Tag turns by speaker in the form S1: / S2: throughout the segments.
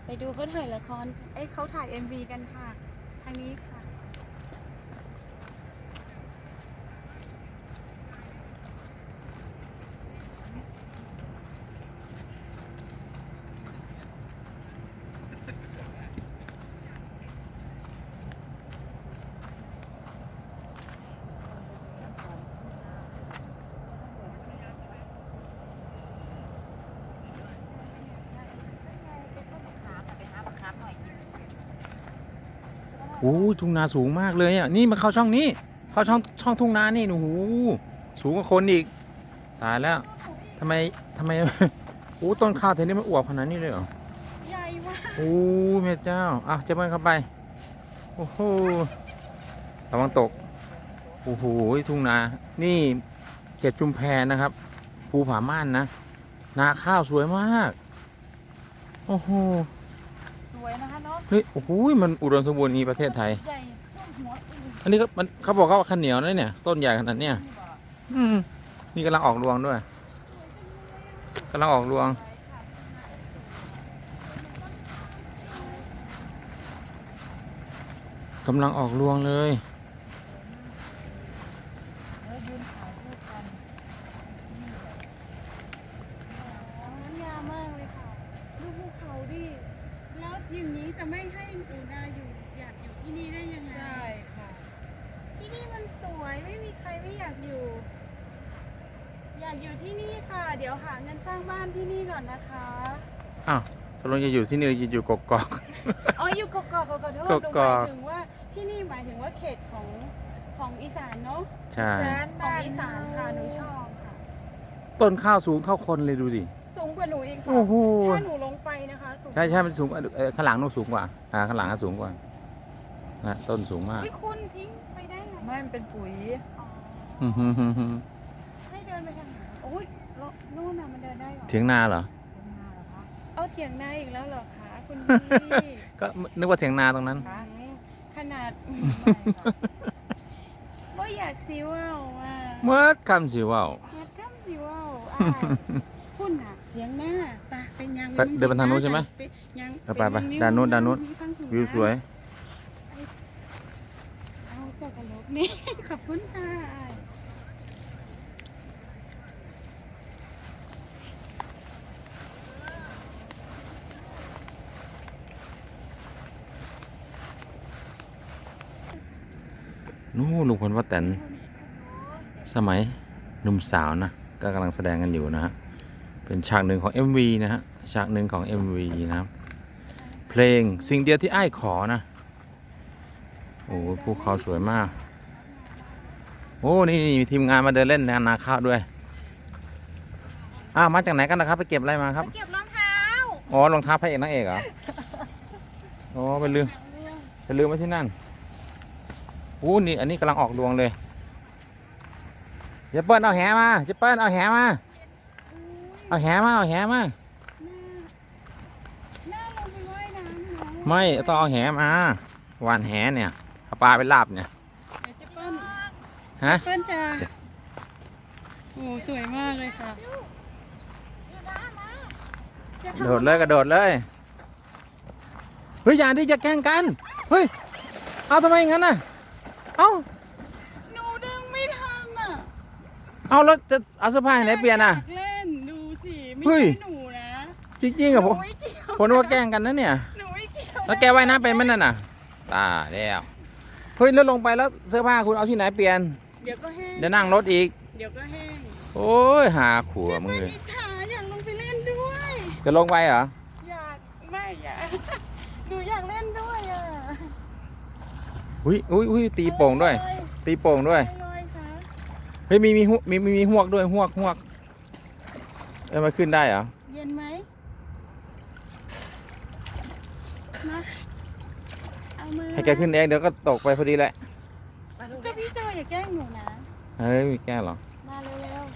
S1: ไปดูเขาถ่ายละครเขาถ่าย MV กันค่ะทางนี้ค่ะ
S2: โอ้ทุ่งนาสูงมากเลยอ่ะนี่มาเข้าช่องนี้เข้าช่องทุ่งนานี่โอ้โหสูงกว่าคนอีกตายแล้วทำไมโอ้ต้นข้าวแถวนี้มันอวบขนาดนี้เลยเหรอ
S1: ใหญ่มาก
S2: โอ้แม่เจ้าอ่ะเจะเบิ้ลเข้าไปโอ้โหระวังตกโอ้โหทุ่งนานี่เขตชุมแพนะครับภูผาม่านนะนาข้าวสวยมากโอ้โห
S1: สวยนะคะเนาะ
S2: เฮ้ยโอ้โหมันอุดมสมบูรณ์นี้ประเทศไทย
S1: ใหญ่ต้นหัว
S2: อันนี้เขาบอกว่าข้าวเหนียวนะเนี่ยต้นใหญ่ขนาดเนี้ยนี่กำลังออกรวงด้วยกำลังออกรวงกำลังออกรวงเลย
S1: งามมากเลยค่ะดูภูเขาดิแล้วอย่างนี้จะไม่ให้หนูนาอยากอยู่ที่นี่ได้ยังไงใช่ค่ะที่นี่มันสวยไม่มีใครไม่อยากอยู่ที่นี่ค่ะเดี๋ยวหาเงินสร้างบ้านที่นี่ก่อนนะคะ
S2: อ้าวตกลงจะอยู่ที่นี่หรือจะอยู่กกอก
S1: อ๋ออยู่กกอกขอโทษหนูหมายถึงว่าที่นี่หมายถึงว่าเขตของอีสานเนาะ
S2: ใช่
S1: ของอีสานค่ะหนูชอบค่ะ
S2: ต้นข้าวสูงเท่าคนเลยดูดิ
S1: สูงกว่าหนูอีกค่ะถ้าหนูลงไปนะคะสูง
S2: ใช่มันสูงข้างหลังนู้นสูงกว่าข้างหลังสูงกว่านะต้นสูงมาก
S1: คุณทิ้งไปได้ไง
S3: ไม่มันเป็นปุ๋ย
S1: ให้เดินไปทางไหนโอ้ยนู่นน่ะมันเดินได้หรอ
S2: เถียงนาเหรอ
S1: เอาเถียงนาอีกแล้วเหรอคะคุณพี่
S2: ก็นึกว่าเถียงนาตรงนั้น
S1: ขนาดก็อยากซีว่าว
S2: เมื่อคำสิว่าว
S1: พุ่นน่ะเถียงหน้าเป็นยัง
S2: เดินไปทางนู้นใช่ไหมไปด้านนู้นวิวสวย
S1: เอาเจ้ากระโหลกนี่ขอบคุณค่ะ
S2: นู่นลุงพลป้าแตนสมัยหนุ่มสาวนะก็กำลังแสดงกันอยู่นะฮะเป็นฉากหนึ่งของ MV นะฮะฉากหนึ่งของ MV นะครับเพลงสิ่งเดียวที่อ้ายขอนะโอ้ภูเขาสวยมากโอ้นี่มีทีมงานมาเดินเล่นนาข้าวด้วยมาจากไหนกันนะครับไปเก็บอะไรมาครับ
S1: เก็บรองเท้า
S2: อ๋อรองเท้าพระเอกนางเอกเหรออ๋อไปลืมไว้ที่นั่นนี่อันนี้กำลังออกรวงเลยเจเปิ้ลเอาแหมาไม่ต้องเอาแหมาหวานแหเนี่ยเอาปลาไปลาบเนี่ย
S1: เจเปิ้ล
S2: ฮะ
S1: เปิ้ลจ้าโอ้สวยมากเลยค่ะ
S2: กระโดดเลยเฮ้ยอย่าดิจะแกล้งกันเฮ้ยเอาทำไมงั้นน่ะ
S1: หนูดึงไม่ทันอ่ะ
S2: เอาแล้วจะเอาเสื้อผ้าไหนเปลี่ยนอ่ะ
S1: เล่นดูสิไม่ใช่หนูนะ
S2: จริงๆอะผมว่าแกล้งกันนะเนี่ยแล้วแกว่ายน้ำเป็นมั้ยนั่นน่ะตาแล้วเฮ้ยแล้วลงไปแล้วเสื้อผ้าคุณเอาที่ไหนเปลี่ยน
S1: เดี๋ยวก็แห้ง
S2: เดี๋ยวนั่งรถอีก
S1: เดี๋ยวก็แห้ง
S2: โอ้ยหาขัวมึงเลย
S1: อยากลงไปเล่นด้วย
S2: จะลงไปเหรอ
S1: อยากหนูอยากเล่นด้วยอ่ะ
S2: อุ้ยตีโป่งด้วยเฮ้ยมีหวกด้วยหวกมันขึ้นได้เหรอ
S1: เย็นไหมนะเอามือ
S2: ให้แกขึ้นเองเดี๋ยวก็ตกไปพอดีแหละ
S1: ก็พี่เจออย่าแกล้งหนูนะ
S2: เฮ้ยมีแกล้งหรอ
S1: มาเร็ว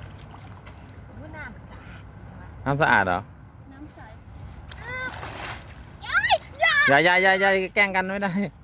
S2: น้ำสะอาดเหรอ
S1: น้ำใส
S2: อย่าแกล้งกันไม่ได้